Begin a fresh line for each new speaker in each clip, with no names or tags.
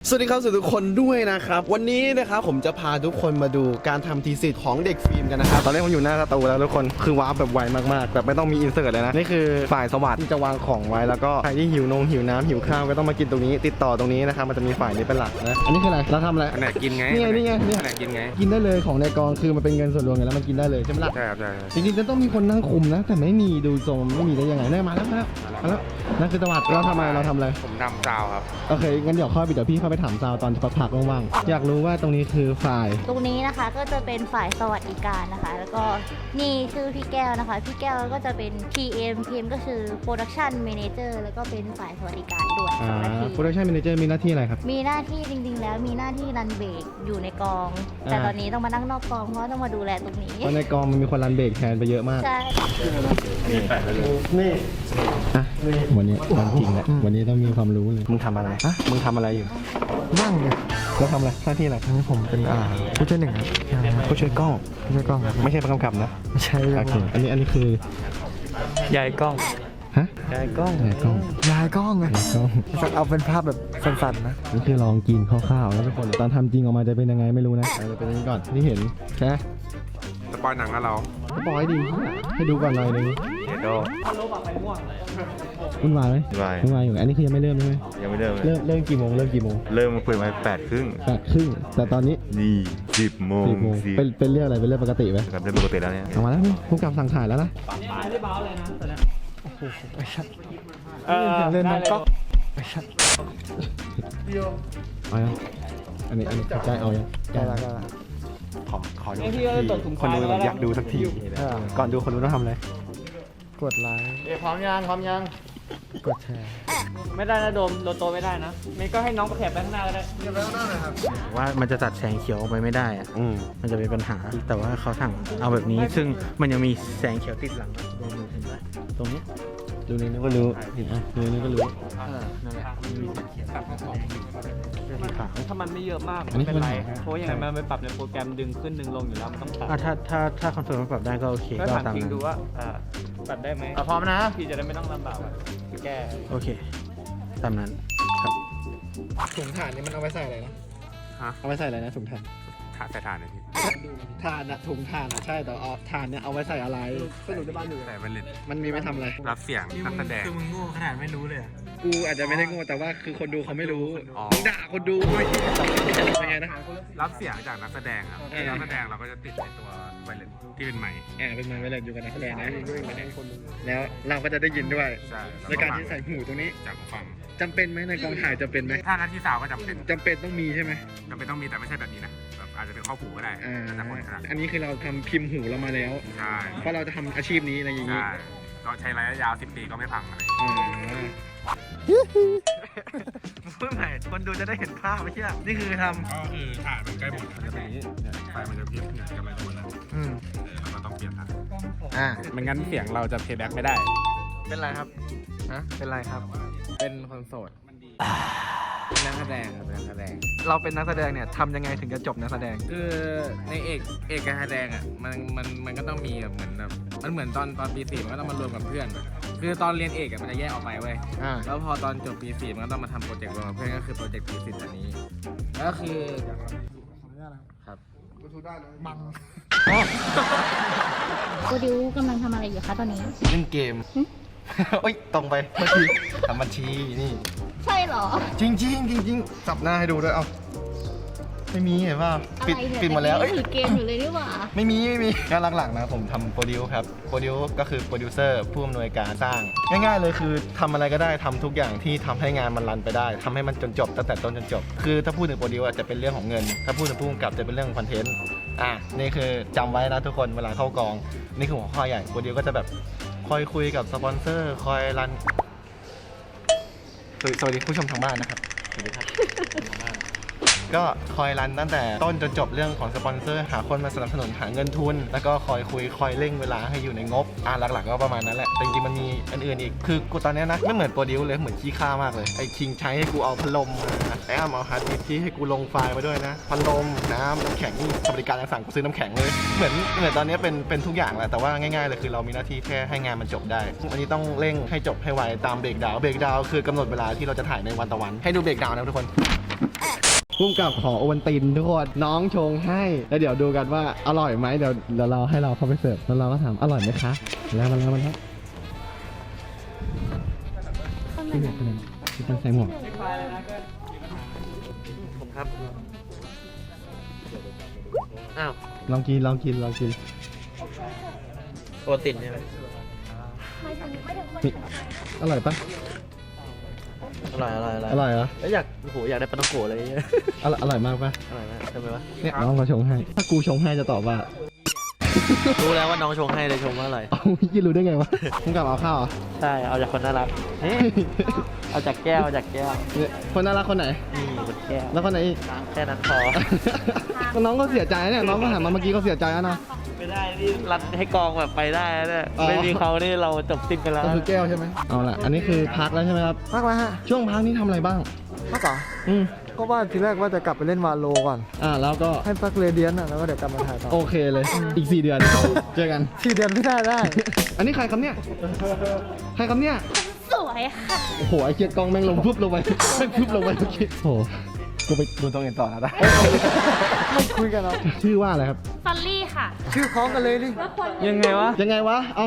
สวัสดีครับทุกคนด้วยนะครับวันนี้นะครับผมจะพาทุกคนมาดูการทำทีสิทธิ์ของเด็กฟิล์มกันนะครับตอนนี้ผมอยู่หน้าสตูแล้วทุกคนคือวาร์ปแบบไวมากๆแบบไม่ต้องมีอินเสิร์ตเลยนะนี่คือฝ่ายสวัสดิ์ที่จะวางของไว้แล้วก็ใครที่หิวน้ำหิวข้าวก็ต้องมากินตรงนี้ติดต่อตรงนี้นะครับมันจะมีฝ่ายนี้เป็นหลักนะอันนี้คืออะไรเราทำอะไร
อันไหนกินไง
นี่ไง
อันไหนกินไง
กินได้เลยของในกองคือมันเป็นเงินส่วนรวมไงแล้วมันกินได้เลยใช่ไหมล่ะ
ใช่ครับใช่
จริงๆจะต้องมีคนนั่งคุมนะแต่ไม่มีดูทรงไม่มีได้ยังไงเนี่ยมาแล้วนั่นคือสวัสดิ์เราทำอะไร
ผมทำซาวครับ
โอเคงั้นเดี๋ยวพี่เข้าไปถามซาวตอนพักว่างๆอยากรู้ว่าตรงนี้คือฝ่าย
ตรงนี้นะคะก็จะเป็นฝ่ายสวัสดิการนะคะ แล้วก็นี่ชื่อพี่แก้วนะคะพี่แก้วก็จะเป็น PM ก็คือ Production Manager แล้วก็เป็นฝ่ายสวัสดิการด้วยสองหน้าที่
Production Manager มีหน้าที่อะไรครับ
มีหน้าที่จริงๆแล้วมีหน้าที่รันเบรกอยู่ในกอง แต่ตอนนี้ต้องมานั่งนอกกองเพราะต้องมาดูแลตรงนี้
เพราะในกองมันมีคนรันเบรกแทนไปเยอะมาก
ใช่
นี่อ่ะวันนี้วันจริงแหละวันนี้ต้องมีความรู้เลยมึงทำอะไรฮะมึงทำอะไรอยู่
นั่งเนี่ย
แล้วทำอะไรหน้าที่อะไร
อันนี้ผมเป็นผู้ช่วยหนึ่งครับ
ผู้ช่วยกล้อง
ผู้ช่วยกล้องครับ
ไม่ใช่ประกำกับนะ
ไม่ใช่
โอเคอันนี้คือย
ายกล้อง
ฮะ
ยายกล้อง
ยายกล้อง
ยายกล้องไง
ยายกล้อง
เอาเป็นภาพแบบสั้นๆนะ
นี่คือลองกินคร่าวๆแล้วทุกคนตอนทำจริงออกมาจะเป็นยังไงไม่รู้นะจะเป็นอย่างนี้ก่อนที่เห็นใช่ไหม
สปอยหนังแล้วเรา
สปอยดิให้ดูก่อนหน่อยนึง
เดโด
วุ่นวายไหม
วาย
วุ่นวายอยู่อันนี้คือยังไม่เริ่มใช่ไหม
ยังไม่เริ่มเลย
เริ่มกี่โมงเริ่มกี่โมง
เริ่มมาคุยมา8:30
8:30แต่ตอนนี้
นี่10:00
10 โมง
10
เป็นเรื่องอะไรเป็นเรื่องปกติไหม
ครับเริ่มปกติแล้วเนี่ย
เอามาแล้วผู้กำกับสั่งถ่ายแล้วนะ
เล่นน้องก๊อก
เอายังอันนี้ใกล้เอายัง
ได้ละ
ขอดูสักทีคนดูแบบอยากดูสักทีก่อนดูคนดูต้องทำอะไร
กดไลค์
พร้อมยัง
กดแชร์
ไม่ได้นะโดมโดโตไม่ได้นะเมย์ก็ให้น้องไปแขบไปข้างหน้าก็ได้
ว่ามันจะตัดแสงเขียวออกไปไม่ได้อะมันจะเป็นปัญหา แต่ว่าเขาสั่งเอาแบบนี้ ซึ่งมันยังมีแสงเขียวติดหลังอะตรงมือเห็นไหมตรงนี้
ดูนี่ก็รู้เห็นไหมดูนี่ก็รู้
นั่นแหละมันมีแสงเขียวสีขาว
ถ้ามันไม่เยอะมาก
อันนี้
ไม่เป็นไร
คือปัญหา
เพราะยังไงมันไปปรับในโปรแกรมดึงขึ้นดึงลงอยู่แล้วมันต้องปรับ
อ่ะถ้าคอนเฟิร์มว่าปรับได้ก็โอเค
ก็
ก็
ถาม
ตาม
คิง
นั้น
ดูว่าปรับได้ไหม
พร้อมนะ
พี่จะได้ไม่ต้องลำบากอะแก้
โอเค ตามนั้นครับ
ถุงถ่านนี่มันเอาไว้ใส่อะไรนะ
เอาไว้ใส่อะไรนะถุงถ่าน
ถ่านใส่ถ่านเลยพี่
ถ่านอะถุงถ่านอะใช่แต่เอาถ่านเนี่ยเอาไว้ใส่อะไรสรุปในบ้านอยู่
ใส่เป็นเลน
มันมีไว้ทำอะไร
รับเสียงนักแสดง
คือมึงโง่ขนาดไม่รู้เลย
กูอาจจะไม่ได้โง่แต่ว่าคือคนดูเขาไม่รู้
อ๋อ
มึงด่าคนดูเป็นไงนะ
รับเสียงจากนักแสดงครับนักแสดงเราก็จะติดในตัวไวเลนที่เป็นไมค์
เป็นไงเวลาอยู่กับนักแสดงนะแล้วเราก็จะได้ยินด้วย
ใช่
ในการที่ใส่หูตรงนี้
จากหูฟัง
จำเป็นไหมในกองถ่ายจำเป็นไหม
ถ้าหน้าที่สาวก็จำเป็น
จำเป็นต้องมีใช่ไหม
จำเป็นต้องมีแต่ไม่ใช่แบบนี้นะแบบอาจจะเป็นข้อผูก็ได้แล้วแต่คนถนัด
อันนี้คือเราทำพิมพ์หูเรามาแล้ว
ใช่
เพราะเราจะทำอาชีพนี้อะไรอย่างนี้
ใช่เราใช้ระยะยาว10 ปีก็ไม่พังอะไร
พูดใหม่คนดูจะได้เห็นภาพไม่ใช่นี่คือท
ก็คือถ่านมันใกล้หมดมันจะเป็นอย่างนี้เนี่ยไฟมันจะพริบเนี่ยกำลังจะหมดแล้วเราก็ต้องเปลี่ยนถ่านไม่งั้นเสียงเราจะเพย์แบ็กไม่ได้
เป็นไรครับเป็นไรครับ
เป็นคนโสดเป็นนักแสดงครับเป็นนักแสดง
เราเป็นนักแสดงเนี่ยทำยังไงถึงจะจบนักแสดง
คือในเอกการแสดงอ่ะมันก็ต้องมีแบบเหมือนแบบมันเหมือนตอนปี 4มันก็ต้องมารวมกับเพื่อนอะคือตอนเรียนเอกอะมันจะแยกออกไปเว้ย แล้วพอตอนจบปี 4มันก็ต้องมาทำโปรเจกต์รวมกับเพื่อนก็คือโปรเจกต์ปี10อันนี้แล้วก็คือครับ
โปรดิวกำลังทำอะไรอยู่คะตอนนี้
ำเล่นเกมโอ้ยตรงไปเมื่อกี้ทำบัญชีนี่
ใช่เหรอ
จริงสับหน้าให้ดูด้วยเอาไม่มีเห็นป่ะปิด
อะไรเนี่ย
ปิดหมาแล้ว
แต่ถือเกมอยู่เลยนี่หว่า
ไม่มีงานหลักๆนะผมทำโปรดิวครับโปรดิวก็คือโปรดิวเซอร์ผู้อำนวยการสร้าง ง่ายๆเลยคือทำอะไรก็ได้ทำทุกอย่างที่ทำให้งานมันรันไปได้ทำให้มันจนจบตั้งแต่ต้นจนจบคือถ้าพูดถึงโปรดิวอาจจะเป็นเรื่องของเงิน ถ้าพูดถึงผู้กำกับจะเป็นเรื่องของคอนเทนต์นี่คือจำไว้นะทุกคนเวลาเข้ากองนี่คือหัวข้อใหญ่โปรดิวก็จะแบบคอยคุยกับสปอนเซอร์คอยรันสวัสดีผู้ชมทางบ้านนะครับสวัสดีครับ ก็คอยรันตั้งแต่ต้นจนจบเรื่องของสปอนเซอร์หาคนมาสนับสนุนหาเงินทุน แล้วก็คอยคุยคอยเร่งเวลาให้อยู่ในงบหลักๆก็ประมาณนั้นแหละแต่จริงๆมันมีอันอื่นอีกคือกูตอนนี้นะไม่เหมือนโปรดิวเลยเหมือนขี้ข้ามากเลยไอ้คิงใช้ให้กูเอาพัดลมมาไอ้อ้ำเอาฮาร์ดดิสก์ที่ให้กูลงไฟล์มาด้วยนะพัดลมน้ำแข็งนี่บริการต่างๆกูซื้อน้ำแข็งเลยเหมือนตอนนี้เป็นทุกอย่างแหละแต่ว่าง่ายๆเลยคือเรามีหน้าที่แค่ให้งานมันจบได้วันนี้ต้องเร่งให้จบให้ไวตามเบรกดาวน์คือกำหนดเวลาที่เราจะถ่ายในวันต่อวันให้ดูเบรกดาวน์นะทุกคนพุ่มกับขอโอวัลตินทุกคนน้องชงให้แล้วเดี๋ยวดูกันว่าอร่อยไหมเดี๋ยวเราให้เราเข้าไปเสิร์ฟแล้วเราก็ถามอร่อยไหมคะแล้วมันครับพี่หมวกเป็นพี่ตั้งใส่หมวกผมครับอ้าวลองกิน
โปรตีนใช่ไหม
นี่อร่อยปะ
อร่อย
อร่อยเหรอ
แล้วอยากได้ปลาต้องโกะอะไรอย่างเงี้ย
อร่อยมากปะ
อร่อยมากทำไมวะ
เนี่ยน้องเขาชงให้ถ้ากูชงให้จะตอบว่า
รู้แล้วว่าน้องชงให้เลยชงว่าอร่อย
เอายี่รู้ได้ไงวะมึงกลับเอาข้าวเหรอ
ใช่เอาจากคนน่ารักเอาจากแก้ว
เนี่ยคนน่ารักคนไหน
นี่คนแก้ว
แล้วคนไหนอีก
แค่นั้นพอ
น้องก็เสียใจเนี่ยน้องก็หันมาเมื่อกี้ก็เสียใจแล้วนะ
ไม่ได้นี่รันให้กองแบบไปได้แล้วเนี่ย
อ๋อ
ไม่มีเขานี่เราจบสิ้นกันแล้ว
ก็คือแก้วใช่ไหมเอาล่ะอันนี้คือพักแล้วใช่ไหมครับ
พักแล้วฮะ
ช่วงพักนี้ทำอะไรบ้าง
พักเหรอ
อืม
ก็ว่าทีแรกว่าจะกลับไปเล่นวาโลก่อน
แล้วก็
ให้พักเรเดียนอ่ะแล้วก็เดี๋ยวกลับมาถ่ายต่อ
โอเคเลยอีก4 เดือนเจอกัน
4 เดือนไม่ได้
อันนี้ใครครับเนี่ยใครครับเนี่ย
สวยค่ะ
โอ้โหไอ้เกียร์กล้องแม่งลงปุ๊บลงไปแม่งปุ๊บลงไปเมื่อกี้โอ้โหกูไปดูตรงอื่นต่อนะ
ไม่คุยกันแล้ว
ชื่อว่าอะไรครับ
ซัลลี่ค่ะ
ชื่อคล้องกันเลยดิ
ยังไงวะยังไงวะเอา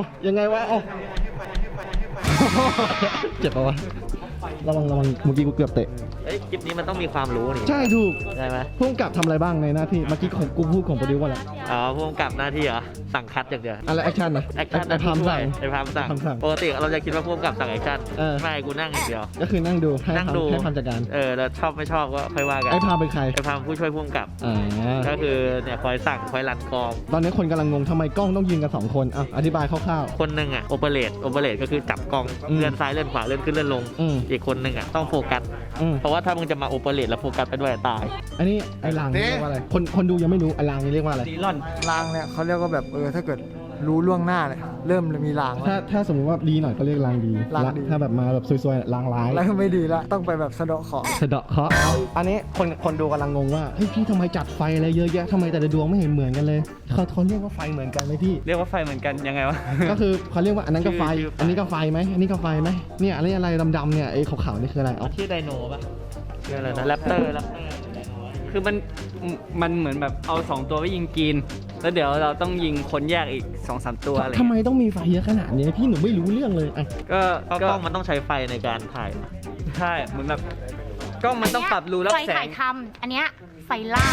เจ็บปะวะระวังเมื่อกี้กูเกือบเตะ
เอ้ยคลิปนี้มันต้องมีความรู้นี่
ใช่ถูก
ใช่ไหม
พุ่งกับทำอะไรบ้างในหน้าที่เมื่อกี้ของกูพูดของโปรดิวว่าอะไร
อ๋อพ่วงกับหน้าที่เหรอสั่งคัดอย่างเดียว
อะไรแอคชั่นนะ
แอคชั่น
ไอ้พามสั่ง
ไอ้พามสั่ง
พามสั่ง
ปกติเราจะคิดว่าพ่วงกับสั่งแอคชั่น
เออ
ไม่กูนั่งอย่างเดียว
ก็คือนั่งดูให้
นั่งดู
ให้ความจัดการ
แล้วชอบไม่ชอบก็ค่อยว่ากัน
ไอ้พามเป็นใคร
ไอ้พามผู้ช่วยพ่วงกับ ก็คือเนี่ยคอยสั่งคอยรันกอง
ตอนนี้คนกำลังงงทำไมกล้องต้องยืนกัน2 คนอธิบายคร่าว
คนหนึ่งอ่ะโอเปเรตก็คือจับกล้อง
อืม
เลื่อนซ้ายเลื่อนขวาเลื่อนขึ้นเลื่อนลง
อืม
อีกคนหนึ่งอ่ะต้องโฟกัส
ๆอืม
เพราะว่าถ้ามึงจะมาโอเปเรตแล้วโฟกัสไปด้วยตาย
อันนี้ไอ้รางนี่เรียกว่าอะไรคนดูยังไม่รู้ไอ้รางนี่เรียกว่าอะไร
ดีลอน
ลางเนี่ยเขาเรียกว่าแบบถ้าเกิดรู้ล่วงหน้าเนี่ยเริ่มมีลางแล้ว
ถ้าสมมติว่าดีหน่อยก็เรียกรางดี
รางดี
ถ้าแบบมาแบบซวยๆรางร้าย
แล้วไม่ดีละต้องไปแบบสะเดาะเคราะห์
สะเดาะเคราะห์อันนี้คนดูกำลังงงว่าเฮ้ยพี่ทำไมจัดไฟอะไรเยอะแยะทำไมแต่ละดวงไม่เห็นเหมือนกันเลยเขาเรียกว่าไฟเหมือนกันไหมพี่
เรียกว่าไฟเหมือนกันยังไงวะ
ก็คือเขาเรียกว่าอันนั้นก็ไฟ
ชื่อ
อันนี้ก็ไฟไหมอันนี้ก็ไฟไหมเนี่ยอะไรดำๆเนี่ยไอ้ขาวๆนี่คืออะไรเอา
ชื่อไดโนป่ะชื่ออะไรนะแรปเตอร์
คือมันเหมือนแบบเอา2 ตัวไปยิงกรีนแล้วเดี๋ยวเราต้องยิงคนแยกอีก 2-3 ตัวอะไร
ทำไมต้องมีไฟเยอะขนาดนี้พี่หนูไม่รู้เรื่องเลยอ่ะ
ก็
กล้องมันต้องใช้ไฟในการถ่าย
ใช่เหมือนแบบกล้องมันต้องปรับรูรับ
ไฟ
แส
ถ่าง ยทำอันเนี้ยไฟล่าง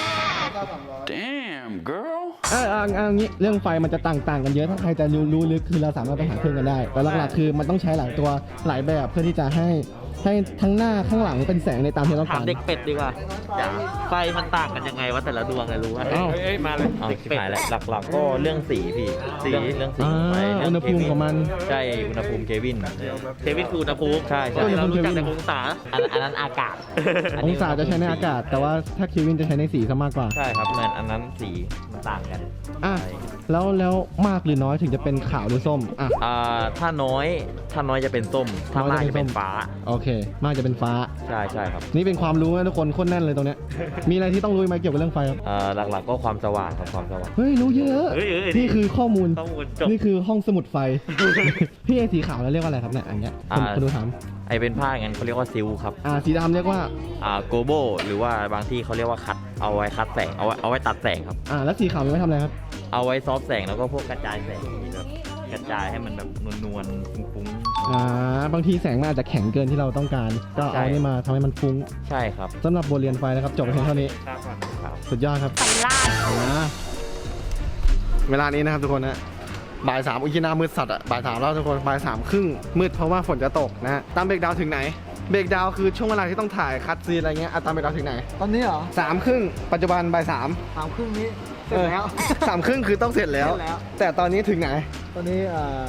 เอางี้เรื่องไฟมันจะต่างกันเยอะถ้าใครจะรู้ลึกคือเราสามารถไปหาเครื่องกันได้แต่หลักๆคือมันต้องใช้หลายตัวหลายแบบเพื่อที่จะให้ทั้งหน้าข้างหลังเป็นแสงในตามที่เราต้อง
ถาม
การ
เด็กเป็ดดีกว่าไฟมันต่างกันยังไงวะแต่ละดวงไงรู้ว่า
อ้าว
เอ้ยมาเลย
เอาชิบหายแล้วหลักๆก็เรื่องสีพี่เรื่องสี
อ่า
ไปเรื่
อุณหภูมิของมัน
ใช่อุณหภูมิเควิน
เควินคืออุณหภูมิ
ใช่ใช่
เรารู้จักแต่องศาอันนั้นอากาศ
องศาจะใช้ในอากาศ แต่ว่าถ้าเควินจะใช้ในสีซะมากกว่า
ใช่ครับอันนั้นสีมันต่างกัน
อ่ะแล้วมากหรือน้อยถึงจะเป็นขาวหรือส้มอ่ะ
ถ้าน้อยจะเป็นส้มถ้ามากจะเป็นฟ้า
โอเค มากจะเป็นฟ้า
ใช่ครับ
นี่เป็นความรู้นะทุกคนโคตรแน่นเลยตรงเนี้ย มีอะไรที่ต้องรู้ไหมเกี่ยวกับเรื่องไฟครับ
หลักๆก็ความสว่างครับความสว่าง
เฮ้ยรู้เยอะ
เฮ้ย
นี่คือข้อมูล
ข้อมูลจบ
นี่คือห้องสมุดไฟ พี่ไอ้สีขาวแล้วเรียกว่าอะไรครับเนี่ยอันเนี้ยคนดูถาม
ไอเป็นผ้าอย่างนั้นเขาเรียกว่าซิลครับ
สีดำเรียกว่า
โกโบหรือว่าบางที่เขาเรียกว่าคัดเอาไว้คัดแสงเอาไว้ตัดแสงครับ
แล้วสีขาวมันไม่ทำอะไรครับ
เอาไว้ซอฟต์แสงแล้วก็พวกกระจายแสงแบบกระจายให้มันแบบนวลๆฟุ้ง
บางทีแสงมันอาจจะแข็งเกินที่เราต้องการ ก็เอานี่มาทำให้มันฟุ้ง
ๆใช่ครับ
สำหรับบทเรียนไฟนะครับจบไปเพียงเท่านี้ สุดยอดครับ
ไฟล่าง
เวลานี้นะครับทุกคนนะบ่าย 3อุ้ยหน้ามืดสัตว์อ่ะบ่าย 3แล้วทุกคนบ่าย 3 ครึ่งมืดเพราะว่าฝนจะตกนะฮะตามเบรกดาวน์ถึงไหนเบรกดาวน์คือช่วงเวลาที่ต้องถ่ายคัดซีนอะไรเงี้ยตามเบรกดาวน์ถึงไหน
ตอนนี้เหรอ
3 ครึ่งปัจจุบันบ่าย 3
3 ครึ่งนี้เสร็จแล้ว
3 ครึ่งคือต้องเสร็จแล้ว
เสร็จแล้ว
แต่ตอนนี้ถึงไหน
ตอนนี้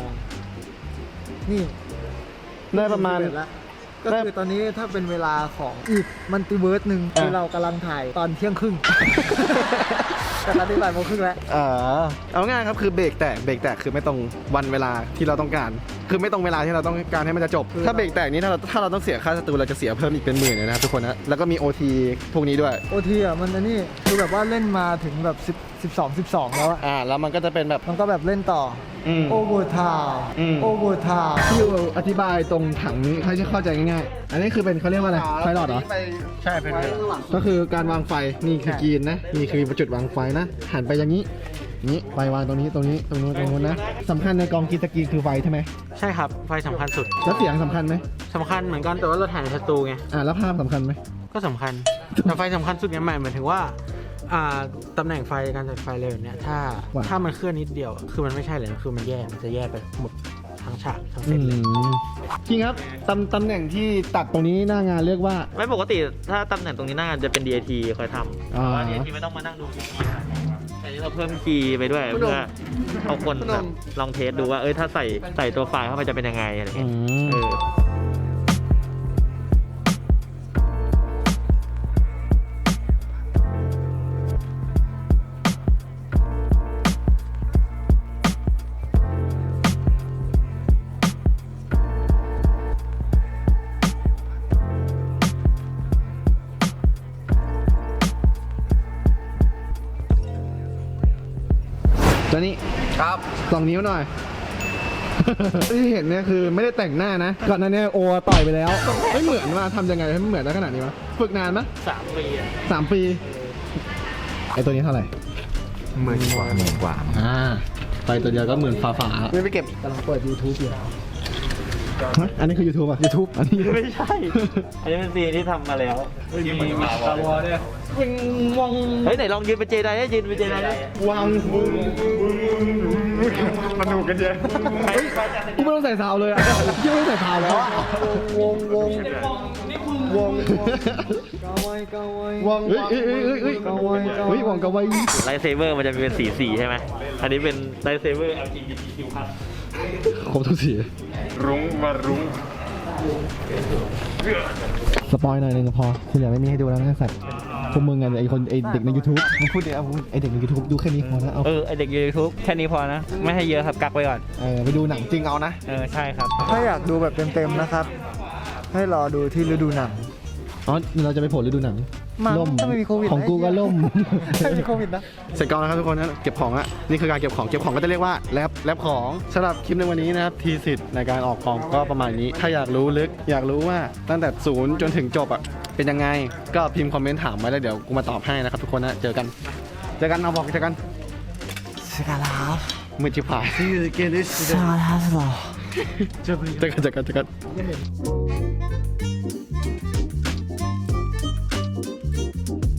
นี่
ได้ประมาณ
11แล้วก็คือตอนนี้ถ้าเป็นเวลาของอีกมัลติเวิร์สหนึ่งคือเรากำลังถ่ายตอนเที่ยงครึ่ง แต่ตอนนี้บ่ายโมงครึ่งแล้ว
เอาง่ายครับคือเบรกแตกคือไม่ตรงวันเวลาที่เราต้องการคือไม่ตรงเวลาที่เราต้องการให้มันจะจบ ถ้าเบรกแตกนี้ถ้าเราต้องเสียค่าสตูเราจะเสียเพิ่มอีกเป็นหมื่นเลยนะครับทุกคนนะแล้วก็มี OT พวกนี้ด้วย
โอทีอ่ะมันอันนี้คือแบบว่าเล่นมาถึงแบบ12 แล้วอะ
แล้วมันก็จะเป็นแบบ
มันก็แบบเล่นต่ออ
ม
โอเวอร์ไทม์
อืม
โอเวอร์ไทม์
ที่อธิบายตรงถังนี้ให้เข้าใจง่ายๆ อันนี้คือเป็นเขาเรียกว่าอะไรไฟหลอดเหรอ
ใช่เป็น
ก็คือการวางไฟ นี่คือกรีนนะ นี่คือจุดวางไฟนะ หันไปอย่างนี้ นี้ไฟวางตรงนี้ตรงนี้ตรงนู้นตรงนู้นนะสำคัญในกองกรีนสกรีนคือไฟใช่ไหม
ใช่ครับไฟสำคัญสุด
แล้วเสียงสำคัญไหม
สำคัญเหมือนกันแต่ว่าเราถ่ายในสตูไง
แล้วภาพสำคัญไหม
ก็สำคัญแต่ไฟสำคัญสุดเนี่ยหมายถึงว่าตำแหน่งไฟการจัดไฟเลยแบบเนี้ยถ้ามันเคลื่อนนิดเดียวคือมันไม่ใช่เลยคือมันจะแย่ไปหมดทั้งฉากทั้งเซตเลย
จริงครับตำแหน่งที่ตัดตรงนี้หน้างานเรียกว่า
ไม่ปกติถ้าตำแหน่งตรงนี้หน้างานจะเป็น DIT คอยทำ
อ่า
แต่ว่า DIT ไม่ต้องมานั่งดูคีย์แต่นี้เราเพิ่มคีย์ไปด้วยเพื่อเอาคนแบบลองเทสดูว่าถ้าใส่ตัวไฟล์เข้าไปจะเป็นยังไงอะไรเงี้ยเออ
ตัวนี้ครับ2 นิ้วหน่อย ที่เห็นเนี่ยคือไม่ได้แต่งหน้านะ ก่อนหน้านี้โอต่อยไปแล้ว ไม่เหมือนว่าทำยังไงให้มันเหมือนได้ขนาดนี้วะฝึกนานไหม
3 ปีอะ
3 ปีไอตัวนี้เท่าไหร่
หมื่นกว่า
ไปตัวเดียวก็หมื่นฝาไม่ไปเก็บ
กำลังเปิด YouTube อยู่
อันนี้คือ YouTube อ่ะ YouTube อันนี้
ไม่ใช่ อันนี้เป็นซีนที่ทำมาแล้วมีสตาร์วอร์ด้วย เฮ้ยไหนลองยืนเป็นเจไดได้ยืนเป็นเจไดได้
วางสนุกกันเยอะกูไม่ต้องใส่ซาวเลยอ่ะยังไม่ต้องใส่ซาวแล้ว
วง
วงเฮ้ยวงกะไว้
ไลท์เซเบอร์มันจะมีเป็นสีใช่ไหม อันนี้เป็นไลท์เซเบอร์ LGBTQ+
ครบทุกสี
รุ้งมารุ้ง
สปอยหน่อยนึงก็พอคุณอยากไม่มีให้ดูแล้วนะสัตว์พวกมึงไงไอเด็กใน YouTube มึงพูดดิเอาไอเด็กใน YouTube ดูแค่นี้พอนะเอา
ไอเด็กยูทูบแค่นี้พอนะ ไม่ให้เยอะครับกักไว้ก่อน
ไปดูหนังจริงเอานะ
ใช่ครับ
ถ้าอยากดูแบบเต็มๆนะครับ ให้รอดูที่ฤดูหนัง
อ๋อเราจะไปโผล่ฤดูหนัง
มั้ง
ล่ม
ถ้าไม่มีโควิด
ของกูก็ล่ม
ไม่มีโควิดนะ
เสร็จกองแล้วครับทุกคนนะเก็บของละนี่คือการเก็บของก็จะเรียกว่าแรปของสำหรับคลิปในวันนี้นะครับทีสิทธิ์ในการออกกองก็ประมาณนี้ ถ้าอยากรู้ลึกอยากรู้ว่าตั้งแต่0จนถึงจบอ่ะเป็นยังไงก็พิมพ์คอมเมนต์ถามไว้แล้วเดี๋ยวกูมาตอบให้นะครับทุกคนนะเจอกันเอาบอกเจอกันมือจิ๋วผายเจอกัน